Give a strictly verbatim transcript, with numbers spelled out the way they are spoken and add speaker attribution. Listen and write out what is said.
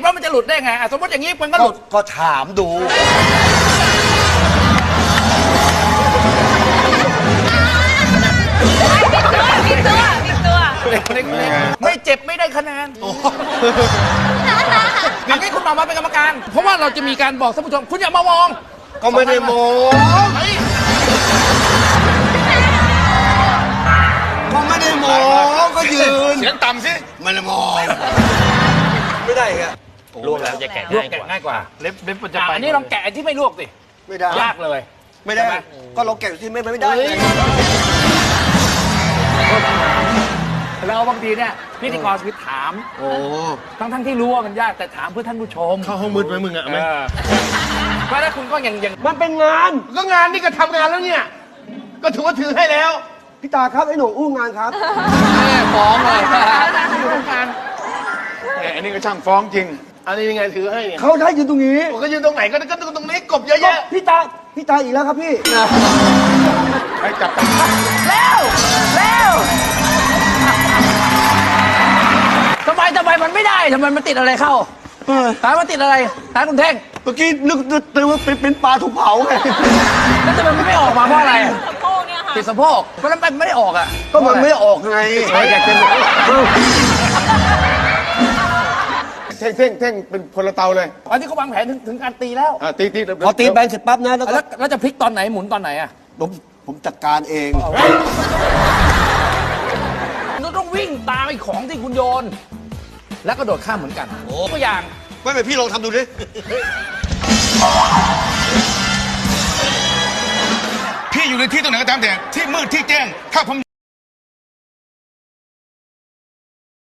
Speaker 1: ว่ามันจะหลุดได้ไงสมมติอย่างนี้มันก็หลุด
Speaker 2: ก็ถามดู
Speaker 3: มีตัวมีตัว
Speaker 1: ไม่เจ็บไม่ได้คะแนนอย่างนี้คุณมามาเป็นกรรมการเพราะว่าเราจะมีการบอกท่านผู้ชมคุณอย่ามามอง
Speaker 2: ก็ไม่ได้มองก็ไม่ได้มองก็ยืน
Speaker 4: เสียงต่ำสิ
Speaker 2: ไม่ได้มองไม่ได้ครับ
Speaker 1: ลวกแล้วจะแกะลวกแกะง่ายกว่าเล็บเล็บมันจะไปอันนี้ลองแกะที่ไม่ลวกสิ
Speaker 2: ไม่ได้
Speaker 1: ยากเลย
Speaker 2: ไม่ได้ก็เราแกะที่ไม่ไม่ได้
Speaker 1: แล้วบางทีเนี่ยพิธีกรคือถามโอ้ทั้งทั้งที่รู้ว่ามันยากแต่ถามเพื่อท่านผู้ชม
Speaker 4: เข้าห้องมืดไหมมึงอะไหม
Speaker 1: เพราะถ้าคุณก็ยังยัง
Speaker 2: มันเป็นงาน
Speaker 4: ก็งานนี่ก็ทำงานแล้วเนี่ยก็ถือว่าถือให้แล้ว
Speaker 2: พี่ตาครับไอ้หนูอู้งานครับ
Speaker 1: แม่ฟ้องเลยอยู่ตรงกลาง
Speaker 4: อันนี้ก็ช่างฟ้องจริงอันนี้ยังไงถือให้เนี่ย
Speaker 2: เขาได้ยืนตรงนี้
Speaker 4: ก็ยืนตรงไหนก็ก็ตรงนี้กบเยอะแยะ
Speaker 2: พี่ตาพี่ตาอีกแล้วครับพี่
Speaker 4: ใครจับไป
Speaker 1: เร็วเร็วทำไมทำไมมันไม่ได้ทำไมมันติดอะไรเข้าถามมันติดอะไรถามคุณเท่ง
Speaker 2: เมื่อกี้นึกนึกว่าเป็นเป็นปลาถูกเผาไง
Speaker 1: แล้วทำไมมันไม่ออกมาเพราะอะไร
Speaker 3: สะโพกเนี่ยค่ะ
Speaker 1: ติดสะโพกเพราะนั้นมันไม่ได้ออกอ่ะ
Speaker 2: ก็มันไม่ออกไงอยากจะ
Speaker 4: เท่งเท่งเท่งเป็นพลเตาเลย
Speaker 1: ตอนที่เขาวางแผนถึงถึงการตีแล้ว
Speaker 4: ตีตี
Speaker 2: พอตีแบนเสร็จปั๊บนะแล้ว
Speaker 1: แล้วจะพลิกตอนไหนหมุนตอนไหนอ่ะ
Speaker 2: ผมผมจัดการเอง
Speaker 1: เราต้องวิ่งตามไอ้ของที่คุณโยนแล้วก็โดดข้ามเหมือนกันโอ้ตัวอย่าง
Speaker 2: ไม่เป็นพี่ลองทำดูดิ
Speaker 4: พี่อยู่ในที่ตรงไหนก็ตามแต่ที่มืดที่แจ้งถ้าผม